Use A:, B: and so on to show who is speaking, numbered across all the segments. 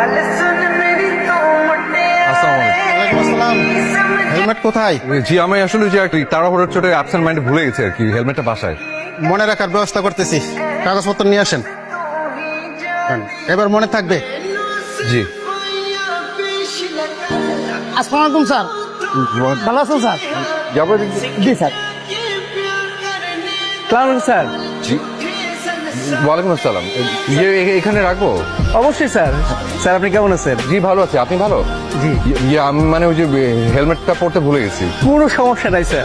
A: Helmet কোথায়?
B: জি আমি আসলে যে তাড়াহুড়োর চোটে অ্যাবসেন্ট মাইন্ডে ভুলে গেছি আর কি, হেলমেটটা বাসায়।
A: মনে রাখার ব্যবস্থা করতেছি, কাগজপত্র নিয়ে আসেন। এবার মনে থাকবে।
B: জি
C: আসসালামু আলাইকুম স্যার, ভালো আছেন স্যার?
B: যাবো।
C: জি স্যার। Clown sir.
B: জি ওয়ালাইকুম আসসালাম। এখানে রাখবো?
C: অবশ্যই স্যার। স্যার আপনি কেমন আছেন?
B: জি ভালো আছি, আপনি ভালো?
C: জি।
B: আমি মানে ওই যে হেলমেটটা পড়তে ভুলে গেছি।
C: কোনো সমস্যা নাই স্যার।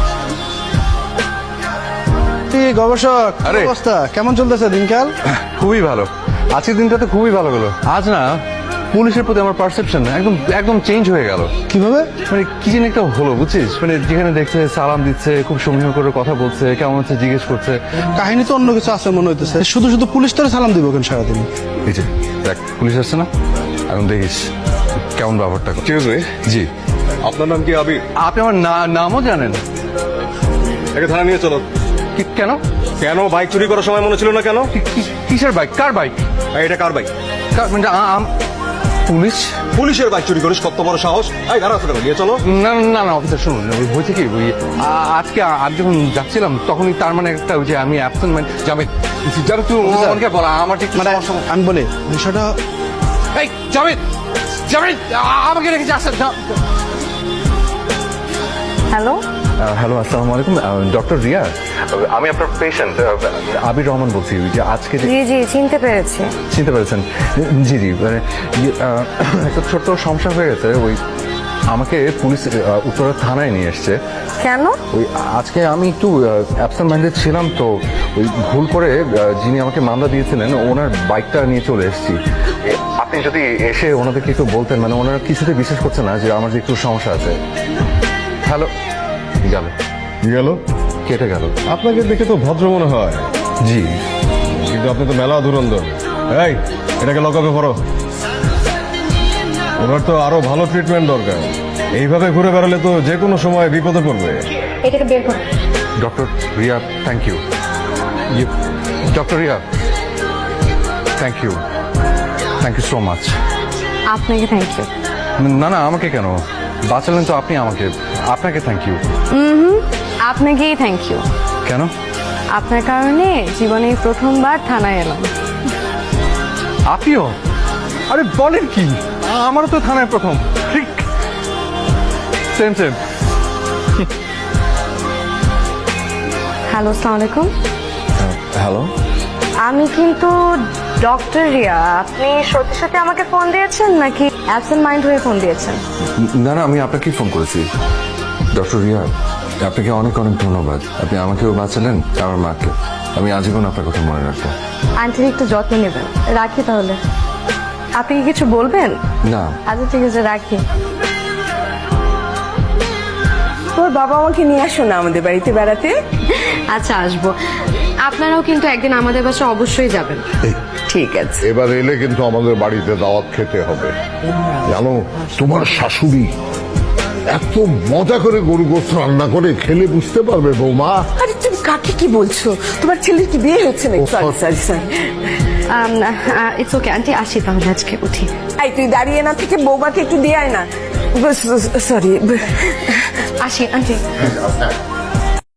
A: কি গবেষক,
B: আরে।
A: অবস্থা কেমন চলতেছে দিনকাল?
B: খুবই ভালো, আজকের দিনটা তো খুবই ভালো গেল। আজ না পুলিশের প্রতি আমার পারসেপশন একদম একদম চেঞ্জ হয়ে গেল।
A: কিভাবে?
B: মানে কি যেন একটা হলো বুঝছিস, মানে যেখানে দেখছে সালাম দিচ্ছে, খুব সমীহ করে কথা বলছে, কেমন আছে জিজ্ঞেস করছে।
A: কাহিনী তো অন্য কিছু আছে মনে হইতেছে। শুধু শুধু পুলিশ তোরে সালাম দিব কেন সারাদিন?
B: এই যে দেখ পুলিশ আসছে না, এখন দেখিস কেমন ব্যাপারটা।
D: ঠিক আছে।
B: জি
D: আপনার নাম কি আবির?
B: আপনি আমার নামও জানেন?
D: একে থানা নিয়ে চলো।
B: কেন?
D: কেন বাইক চুরি করার সময় মনে ছিল না কেন?
B: কিসের বাইক? কার বাইক?
D: এটা কার বাইক?
B: মানে পুলিশ?
D: পুলিশের বাইক চুরি করিস, কত বড় সাহস! এই দাঁড়া, নিয়ে চলো।
B: না না না অফিসার শুনুন, ওই হয়েছে কি ওই আজকে আমি যখন যাচ্ছিলাম তখনই তার মানে একটা ওই যে আমি অ্যাবসেন্ট মাইন্ড জামিদ যাবে তুই আমাকে বলা আমার ঠিক
A: মানে আমি বলি বিষয়টা।
B: এই জামিদ জামিদ আমাকে রেখে যাচ্ছে।
E: হ্যালো,
B: হ্যালো আসসালামু আলাইকুম, ডক্টর রিয়া, আমি আপনার পেশেন্ট আবির রহমান বলছি। ওই যে আজকে যে
E: জি জি চিনতে পেরেছি।
B: চিনতে পেরেছেন? জি জি মানে একটা ছোট্ট সমস্যা হয়ে গেছে। ওই আমাকে পুলিশ উত্তরা থানায় নিয়ে এসছে।
E: কেন?
B: ওই আজকে আমি একটু অ্যাবসেন্ট মাইন্ডেড ছিলাম তো, ওই ভুল করে যিনি আমাকে মামলা দিয়েছিলেন ওনার বাইকটা নিয়ে চলে এসেছি। আপনি যদি এসে ওনাদেরকে একটু বলতেন, মানে ওনারা কিছুতে বিশ্বাস করছে না যে আমার যে একটু সমস্যা আছে। হ্যালো, গেল
D: গেল?
B: কেটে গেল।
D: আপনাকে দেখে তো ভদ্র মনে হয়,
B: জি
D: কিন্তু আপনি তো মেলা ধুরন্ধর। এই এটাকে লকআপে ভরো। ওনার তো আরো ভালো ট্রিটমেন্ট দরকার। এইভাবে ঘুরে বেড়ালে তো যে কোনো সময় বিপদে পড়বে।
E: এটাকে বের করো।
B: Doctor Riya thank you. Doctor Riya thank you, thank you so much.
E: আপনাকে থ্যাংক ইউ।
B: না না আমাকে কেন, বাঁচালেন তো আপনি আমাকে, আপনাকে থ্যাংক ইউ।
E: আপনাকেই থ্যাংক ইউ।
B: কেন?
E: আপনার কারণে জীবনে এই প্রথমবার থানায় এলাম।
B: আপনিও? আরে বলেন কি, আমারও তো থানায় প্রথম। ঠিক সেম সেম।
E: হ্যালো, আসসালামু আলাইকুম।
B: হ্যালো,
E: আমি কিন্তু ডক্টর রিয়া। আপনি সত্যি সত্যি আমাকে ফোন দিয়েছেন নাকি অ্যাবসেন্ট মাইন্ড হয়ে ফোন দিয়েছেন?
B: না না আমি আপনাকেই ফোন করেছি। ডক্টর রিয়া আপনাকে অনেক অনেক ধন্যবাদ, আপনি আমাকেও বাঁচালেন আমার মাকে। আমি আজীবন আপনার কথা মনে রাখবো।
E: আন্টির একটু যত্ন নেবেন। রাখি তাহলে। আপনি কি কিছু বলবেন?
B: না
E: আচ্ছা ঠিক আছে, রাখি।
F: তোর বাবা আমাকে নিয়ে আসো না আমাদের বাড়িতে বেড়াতে।
E: আচ্ছা আসবো। আপনারাও কিন্তু একদিন আমাদের বাসায় অবশ্যই যাবেন।
F: ঠিক আছে।
G: এবার এলে কিন্তু আমাদের বাড়িতে দাওয়াত খেতে হবে। জানো তোমার শাশুড়ি এত মজা করে গরু গোস্ত রান্না করে, খেলে বুঝতে পারবে বৌমা।
F: আরে তুমি কাকে কি বলছো? তোমার ছেলের কি বিয়ে হচ্ছে নাকি? Sorry sorry sorry.
E: It's okay aunty, আসি তাহলে আজকে উঠি।
F: এই তুই দাঁড়িয়ে না থেকে বৌমাকে একটু দিয়ে আয় না। সরি।
E: আসি আন্টি।